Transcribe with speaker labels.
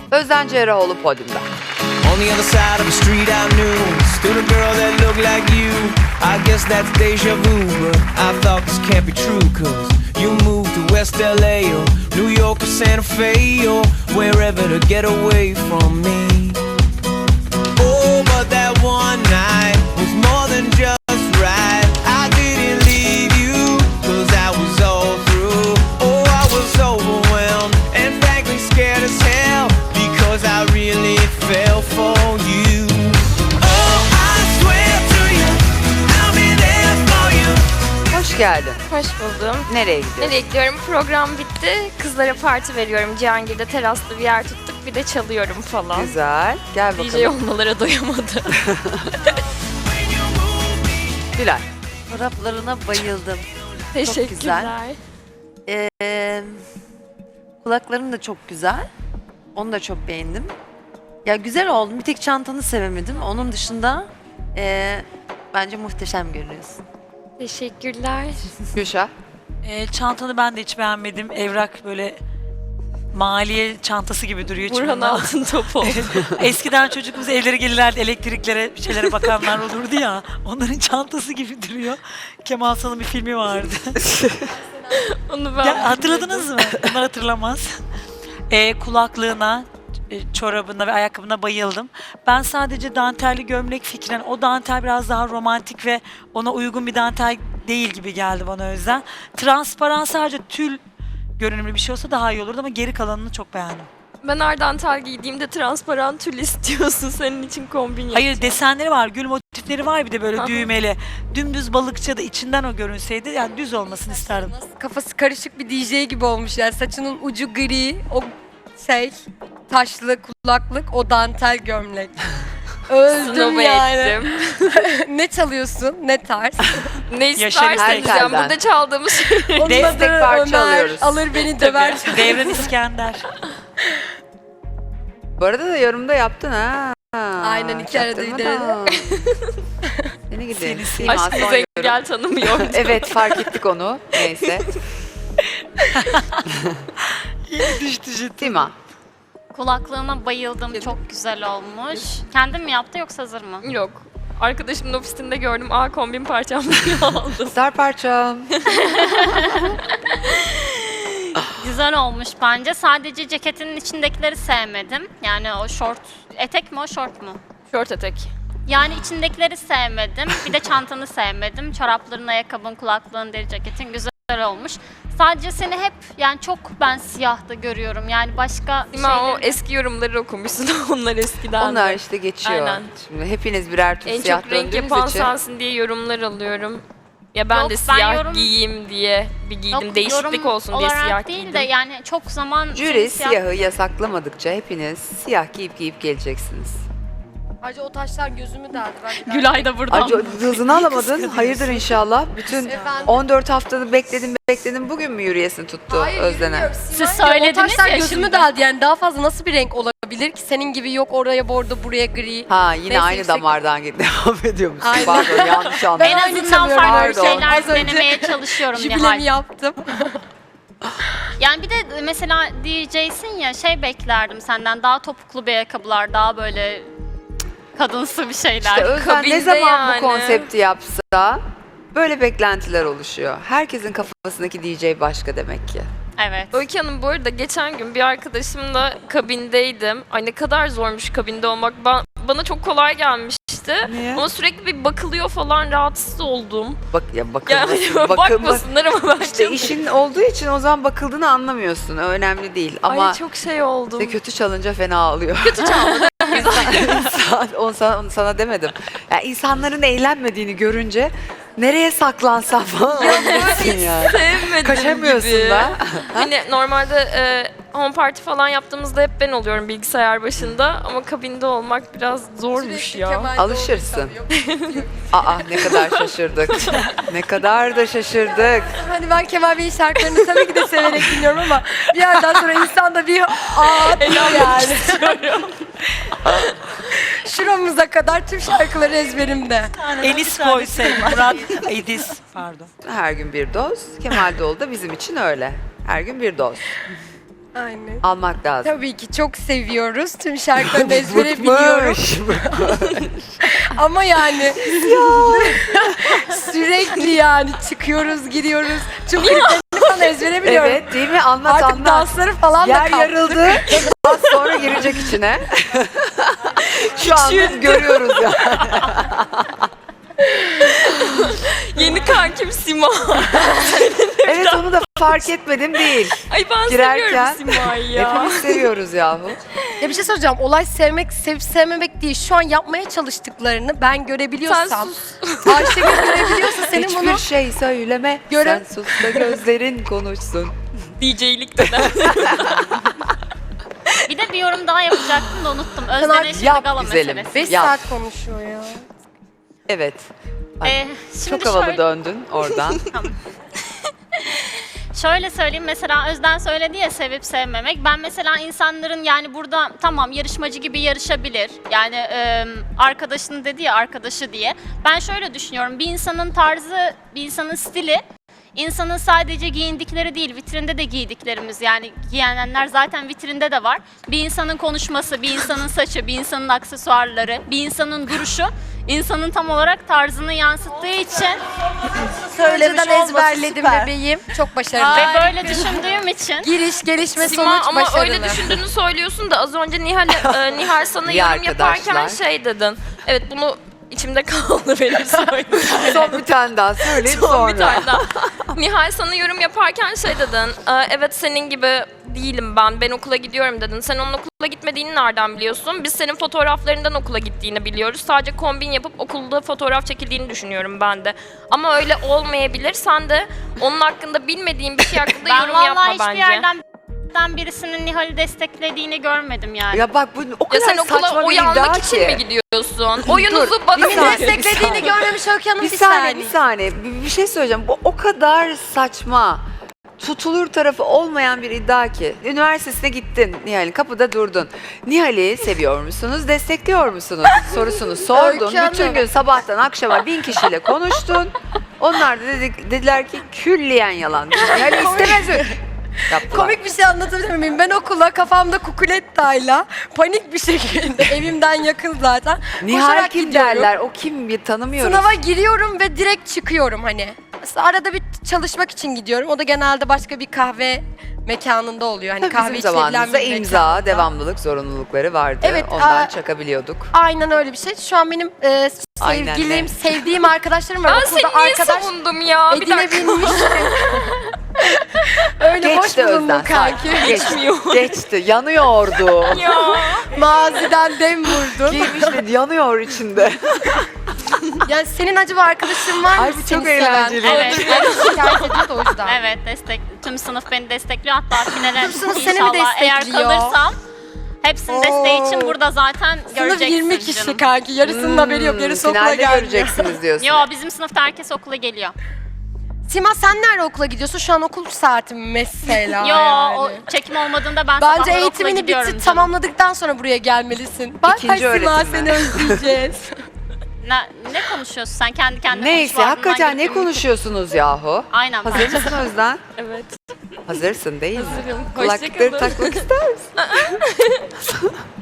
Speaker 1: Özden Cerrahoğlu podyumda.
Speaker 2: On the other side of the street I knew stood a girl that looked like you. I guess that's deja vu, but I thought this can't be true, cause you moved to West LA or New York or Santa Fe or wherever to get away from me. Oh, but that one night was more than just right. I didn't leave you, cause I was all through. Oh, I was overwhelmed and frankly scared as hell, because I really fell for you. Oh, I swear to you, I'll be there for you.
Speaker 1: Hoş geldin.
Speaker 3: Hoş buldum.
Speaker 1: Nereye gidiyorsun?
Speaker 3: Nereye gidiyorum? Program bitti. Kızlara parti veriyorum. Cihangir'de teraslı bir yer tuttuk. Bir de çalıyorum falan.
Speaker 1: Güzel. Gel
Speaker 3: DJ
Speaker 1: bakalım.
Speaker 3: olmalara doyamadı.
Speaker 1: Gülay.
Speaker 4: Çoraplarına bayıldım.
Speaker 3: Teşekkürler.
Speaker 4: Kulakların da çok güzel. Onu da çok beğendim. Ya güzel oldu. Bir tek çantanı sevemedim. Onun dışında bence muhteşem görünüyorsun.
Speaker 3: Teşekkürler.
Speaker 1: Gülşah.
Speaker 5: Çantanı ben de hiç beğenmedim. Evrak böyle maliye çantası gibi duruyor.
Speaker 3: Burhan
Speaker 5: içinden.
Speaker 3: Altın Topu.
Speaker 5: Eskiden çocuğumuz evlere gelirlerdi, elektriklere, bir şeylere bakanlar olurdu ya. Onların çantası gibi duruyor. Kemal Sunal'ın bir filmi vardı.
Speaker 3: Onu ben
Speaker 5: Ya, hatırladınız mı? Bunlar hatırlamaz. Kulaklığına, çorabına ve ayakkabına bayıldım. Ben sadece dantelli gömlek fikrine, o dantel biraz daha romantik ve ona uygun bir dantel değil gibi geldi bana o yüzden. Transparan sadece tül görünümlü bir şey olsa daha iyi olurdu ama geri kalanını çok beğendim.
Speaker 3: Ben ardantal giydiğimde transparan tül istiyorsun. Senin için kombin yapacağım.
Speaker 5: Hayır, desenleri var, gül motifleri var, bir de böyle
Speaker 3: Aha.
Speaker 5: düğmeli. Dümdüz balıkçı da içinden o görünseydi, yani düz olmasını isterdim.
Speaker 6: Kafası karışık bir DJ gibi olmuş yani, saçının ucu gri, o taşlı kulaklık, o dantel gömlek. Öldüm
Speaker 3: Snob
Speaker 6: yani.
Speaker 3: ettim.
Speaker 6: Ne çalıyorsun, ne tarz?
Speaker 3: Ne
Speaker 5: Yaşar
Speaker 3: istersen diyeceğim.
Speaker 1: İskender'den.
Speaker 3: Burada çaldığımız şey.
Speaker 6: Onun
Speaker 1: Destek
Speaker 6: adı
Speaker 1: parça
Speaker 6: Ömer,
Speaker 1: alıyoruz.
Speaker 6: alır beni döver.
Speaker 5: Devran İskender.
Speaker 1: Bu arada da yorumda yaptın ha.
Speaker 6: Aynen, iki arada
Speaker 1: Çaktırma
Speaker 6: ileri.
Speaker 1: da. Seni gidi.
Speaker 5: Seni
Speaker 3: Aşk bize gel tanımıyor.
Speaker 1: Evet, fark ettik onu. Neyse.
Speaker 5: Düştü ciddi.
Speaker 1: Sima.
Speaker 7: Kulaklığına bayıldım. Çok güzel olmuş. Kendin mi yaptı yoksa hazır mı?
Speaker 3: Yok. Arkadaşımın ofisinde gördüm. Kombin parçam diye aldım.
Speaker 1: Star parçam.
Speaker 7: Güzel olmuş bence. Sadece ceketinin içindekileri sevmedim. Yani o şort, etek mi o şort mu?
Speaker 3: Şort etek.
Speaker 7: Yani içindekileri sevmedim. Bir de çantanı sevmedim. Çorapların, ayakkabın, kulaklığın, deri ceketin güzel olmuş. Sadece seni hep yani çok ben siyahta görüyorum. Yani başka
Speaker 3: Sima o
Speaker 7: şeyleri-
Speaker 3: eski yorumları okumuşsun. Onlar eskiden.
Speaker 1: Onlar işte geçiyor.
Speaker 3: Aynen.
Speaker 1: Şimdi hepiniz birer tür
Speaker 3: En
Speaker 1: siyah
Speaker 3: çok renk
Speaker 1: döndüğünüz
Speaker 3: yapan
Speaker 1: için.
Speaker 3: sensin diye yorumlar alıyorum. Ya ben
Speaker 7: Yok,
Speaker 3: de
Speaker 7: ben
Speaker 3: siyah
Speaker 7: yorum-
Speaker 3: giyeyim diye bir giydim.
Speaker 7: Yok,
Speaker 3: Değişiklik
Speaker 7: yorum
Speaker 3: olsun diye
Speaker 7: olarak
Speaker 3: siyah
Speaker 7: değil
Speaker 3: giydim.
Speaker 7: de yani çok zaman
Speaker 1: Jüri
Speaker 7: siyah-
Speaker 1: siyahı yasaklamadıkça hepiniz siyah giyip geleceksiniz.
Speaker 6: Ayrıca o taşlar gözümü deldi.
Speaker 3: Gülay da buradan.
Speaker 1: Acı hızını alamadın. Hayırdır inşallah. Bütün
Speaker 6: Efendim?
Speaker 1: 14 haftada bekledim. Bugün mü yürüyesin tuttu Özden'e?
Speaker 7: Siz
Speaker 6: O
Speaker 7: söylediniz
Speaker 6: taşlar
Speaker 7: ya
Speaker 6: gözümü
Speaker 7: şimdi.
Speaker 6: deldi yani, daha fazla nasıl bir renk olabilir ki? Senin gibi yok oraya bordo, buraya gri.
Speaker 1: Ha, yine
Speaker 6: Neyse,
Speaker 1: aynı
Speaker 6: yüksek-
Speaker 1: damardan devam ediyor musun?
Speaker 6: Aynen.
Speaker 1: Pardon, yanlış anladım.
Speaker 7: En
Speaker 6: aynı
Speaker 7: azından
Speaker 6: çalıyorum.
Speaker 7: farklı
Speaker 1: Pardon.
Speaker 7: şeyler
Speaker 6: Az önce
Speaker 7: denemeye çalışıyorum
Speaker 6: Jübilemi
Speaker 7: Nihal.
Speaker 6: yaptım.
Speaker 7: Yani bir de mesela DJ'sin ya, şey beklerdim senden, daha topuklu bir ayakkabılar, daha böyle kadınsı bir şeyler.
Speaker 1: İşte Özden ne
Speaker 3: Kabinde
Speaker 1: zaman
Speaker 3: yani.
Speaker 1: bu konsepti yapsa böyle beklentiler oluşuyor. Herkesin kafasındaki DJ başka demek ki.
Speaker 7: Evet.
Speaker 3: Öykü Hanım, bu arada geçen gün bir arkadaşımla kabindeydim. Ay ne kadar zormuş kabinde olmak. Bana çok kolay gelmişti.
Speaker 1: Niye?
Speaker 3: Ama sürekli bir bakılıyor falan, rahatsız oldum.
Speaker 1: Bak ya, bakılmasın.
Speaker 3: Yani bakmasınlar ama ben
Speaker 1: İşte
Speaker 3: çok...
Speaker 1: işin olduğu için o zaman bakıldığını anlamıyorsun. O önemli değil. Ama
Speaker 3: Ay çok şey oldum.
Speaker 1: işte kötü çalınca fena ağlıyor. Kötü çaldı. onu sana demedim. Yani insanların eğlenmediğini görünce nereye saklansam falan olabilirsin yani.
Speaker 3: Sevmedim
Speaker 1: Kaçamıyorsun
Speaker 3: gibi.
Speaker 1: da.
Speaker 3: Hani normalde home party falan yaptığımızda hep ben oluyorum bilgisayar başında. Ama kabinde olmak biraz zormuş ya.
Speaker 1: Alışırsın. Aa, ne kadar şaşırdık. Ne kadar da şaşırdık.
Speaker 6: Hani ben Kemal Bey'in şarkılarını tabii ki de severek dinliyorum ama bir yerden sonra insan da bir atıyor yani. Şuramıza kadar tüm şarkıları ezberimde.
Speaker 5: Enis koysaydı, Murat Edis, pardon.
Speaker 1: Her gün bir doz. Kemal Doğulu da bizim için öyle. Her gün bir doz.
Speaker 6: Aynen.
Speaker 1: Almak lazım.
Speaker 6: Tabii ki çok seviyoruz. Tüm şarkılarını ezbere biliyorum. Ama yani sürekli yani çıkıyoruz, giriyoruz. Tüm kliplerini falan ezbere biliyorum.
Speaker 1: Evet değil mi? Anlat
Speaker 6: Artık
Speaker 1: anlat.
Speaker 6: dansları falan da
Speaker 1: Yer
Speaker 6: kaptık.
Speaker 1: yarıldı. Az sonra girecek içine. Şu an biz görüyoruz ya.
Speaker 3: Yeni kankim Sima.
Speaker 1: Evet onu da fark etmedim değil.
Speaker 3: Ay ben
Speaker 1: Girerken
Speaker 3: seviyorum Sima'yı ya.
Speaker 1: hepimiz seviyoruz yahu.
Speaker 6: Ya bir şey soracağım. Olay sevmek, sevip sevmemek değil. Şu an yapmaya çalıştıklarını ben görebiliyorsam.
Speaker 3: Sen
Speaker 6: Ayşegül görebiliyorsa senin
Speaker 1: Hiçbir
Speaker 6: bunu
Speaker 1: şey söyleme.
Speaker 6: Göre-
Speaker 1: Sen sus da gözlerin konuşsun.
Speaker 3: DJ'lik de.
Speaker 7: Bir de bir yorum daha yapacaktım da unuttum.
Speaker 6: artık
Speaker 7: Özden Eşitli
Speaker 1: yap
Speaker 7: Gala
Speaker 1: güzelim.
Speaker 7: meselesi.
Speaker 6: 5
Speaker 1: Yap.
Speaker 6: saat konuşuyor ya.
Speaker 1: Evet. Ay,
Speaker 7: Şimdi
Speaker 1: çok havalı
Speaker 7: şöyle-
Speaker 1: döndün oradan.
Speaker 7: Şöyle söyleyeyim, mesela Özden söyledi ya sevip sevmemek. Ben mesela insanların yani burada tamam yarışmacı gibi yarışabilir. Yani arkadaşını dedi ya arkadaşı diye. Ben şöyle düşünüyorum, bir insanın tarzı, bir insanın stili, insanın sadece giyindikleri değil, vitrinde de giydiklerimiz, yani giyenler zaten vitrinde de var. Bir insanın konuşması, bir insanın saçı, bir insanın aksesuarları, bir insanın duruşu, insanın tam olarak tarzını yansıttığı için
Speaker 6: Önceden
Speaker 4: olması
Speaker 6: ezberledim
Speaker 4: süper.
Speaker 6: bebeğim. Çok başarılı.
Speaker 7: ve böyle düşündüğüm için
Speaker 6: Giriş, gelişme,
Speaker 3: Sima
Speaker 6: sonuç
Speaker 3: ama
Speaker 6: başarılı.
Speaker 3: öyle düşündüğünü söylüyorsun da az önce Nihal sana
Speaker 1: İyi
Speaker 3: yorum yaparken
Speaker 1: arkadaşlar.
Speaker 3: şey dedin. Evet bunu içimde kaldı benim söylediğim.
Speaker 1: Son bir tane daha söyleyeyim
Speaker 3: Son
Speaker 1: sonra.
Speaker 3: bir tane daha. Nihal sana yorum yaparken şey dedin. Evet senin gibi değilim ben. Ben okula gidiyorum dedin. Sen onun okula gitmediğini nereden biliyorsun? Biz senin fotoğraflarından okula gittiğini biliyoruz. Sadece kombin yapıp okulda fotoğraf çekildiğini düşünüyorum ben de. Ama öyle olmayabilir. Sen de onun hakkında bilmediğin bir şey hakkında
Speaker 7: ben
Speaker 3: yorum yapma
Speaker 7: vallahi hiçbir
Speaker 3: bence.
Speaker 7: yerden birisinin Nihal'i desteklediğini görmedim yani.
Speaker 1: Ya bak bu o
Speaker 3: Ya
Speaker 1: kadar
Speaker 3: sen okula
Speaker 1: saçma bir iddia
Speaker 3: uyanmak için
Speaker 1: ki.
Speaker 3: mi gidiyorsun? Oyunuzu bana
Speaker 6: Kimin
Speaker 1: saniye,
Speaker 6: desteklediğini görmemiş Öykü Hanım
Speaker 1: Bir saniye, bir saniye. Bir şey söyleyeceğim. Bu o kadar saçma, tutulur tarafı olmayan bir iddia ki. Üniversitesine gittin Nihal'in, kapıda durdun. Nihal'i seviyor musunuz, destekliyor musunuz sorusunu sordun.
Speaker 6: Öykü Hanım.
Speaker 1: Bütün gün sabahtan akşama 1000 kişiyle konuştun. Onlar da dediler ki külliyen yalan. Nihal'i istemez mi? Yaptılar.
Speaker 6: Komik bir şey anlatabilir miyim? Ben okula kafamda kukulettayla panik bir şekilde evimden yakın zaten.
Speaker 1: Nihal
Speaker 6: koşarak
Speaker 1: kim
Speaker 6: gidiyorum.
Speaker 1: derler? O kim bir tanımıyoruz.
Speaker 6: Sınava giriyorum ve direkt çıkıyorum hani. Mesela arada bir çalışmak için gidiyorum. O da genelde başka bir kahve mekanında oluyor. Hani
Speaker 1: Tabii
Speaker 6: kahve
Speaker 1: bizim
Speaker 6: içilebilen
Speaker 1: zamanımızda
Speaker 6: bir
Speaker 1: imza,
Speaker 6: mekanda.
Speaker 1: devamlılık zorunlulukları vardı.
Speaker 6: Evet,
Speaker 1: Ondan
Speaker 6: aa,
Speaker 1: çakabiliyorduk.
Speaker 6: Aynen öyle bir şey. Şu an benim
Speaker 1: Aynen
Speaker 6: sevgilim,
Speaker 1: de.
Speaker 6: sevdiğim arkadaşlarım var.
Speaker 3: Ben seni
Speaker 6: Okulda
Speaker 3: niye
Speaker 6: arkadaş
Speaker 3: savundum ya? Bir dakika.
Speaker 6: edinebilmiş. Öyle boş
Speaker 1: Geçti
Speaker 6: bulundum
Speaker 1: Özden.
Speaker 6: kanki.
Speaker 3: Geçmiyor.
Speaker 1: Geçti. Yanıyordu.
Speaker 3: Ya.
Speaker 6: Maziden dem vurdun.
Speaker 1: Giymişti. Yanıyor içinde.
Speaker 6: Yani senin acaba arkadaşın var mı?
Speaker 1: Ay, bu çok
Speaker 6: seni seven?
Speaker 1: eğlenceli.
Speaker 7: Evet.
Speaker 6: Şikayet ediyor da o yüzden.
Speaker 7: Evet, tüm sınıf beni destekliyor. Hatta finale
Speaker 6: Tüm sınıf seni mi
Speaker 7: inşallah eğer
Speaker 6: destekliyor?
Speaker 7: kalırsam hepsinin desteği için burada zaten
Speaker 6: Sınıf
Speaker 7: göreceksin
Speaker 6: 20 kişi
Speaker 7: canım.
Speaker 6: kanki. Yarısının haberi yok. Yarısı okula
Speaker 1: Finalde
Speaker 6: gelmiyor.
Speaker 1: göreceksiniz diyorsun.
Speaker 7: Yo, bizim sınıfta herkes okula geliyor.
Speaker 6: Sima sen nerede okula gidiyorsun? Şu an okul saati mi mesela
Speaker 7: Yo,
Speaker 6: yani.
Speaker 7: o çekim olmadığında ben
Speaker 6: Bence
Speaker 7: sabahları okula
Speaker 6: eğitimini
Speaker 7: gidiyorum
Speaker 6: bitir,
Speaker 7: canım.
Speaker 6: tamamladıktan sonra buraya gelmelisin. Bak
Speaker 1: İkinci
Speaker 6: Sima
Speaker 1: öğretim mi?
Speaker 6: seni özleyeceğiz.
Speaker 7: Ne konuşuyorsun sen kendi kendine?
Speaker 1: Neyse
Speaker 7: konuş,
Speaker 1: hakikaten
Speaker 7: ardından
Speaker 1: ne
Speaker 7: gidip-
Speaker 1: konuşuyorsunuz yahu?
Speaker 7: Aynen.
Speaker 1: Hazır mısın Özden?
Speaker 3: Evet.
Speaker 1: Hazırsın değil mi?
Speaker 3: Hazırım.
Speaker 1: Kulaklıkları
Speaker 3: Hoşça kalın.
Speaker 1: takmak ister misin?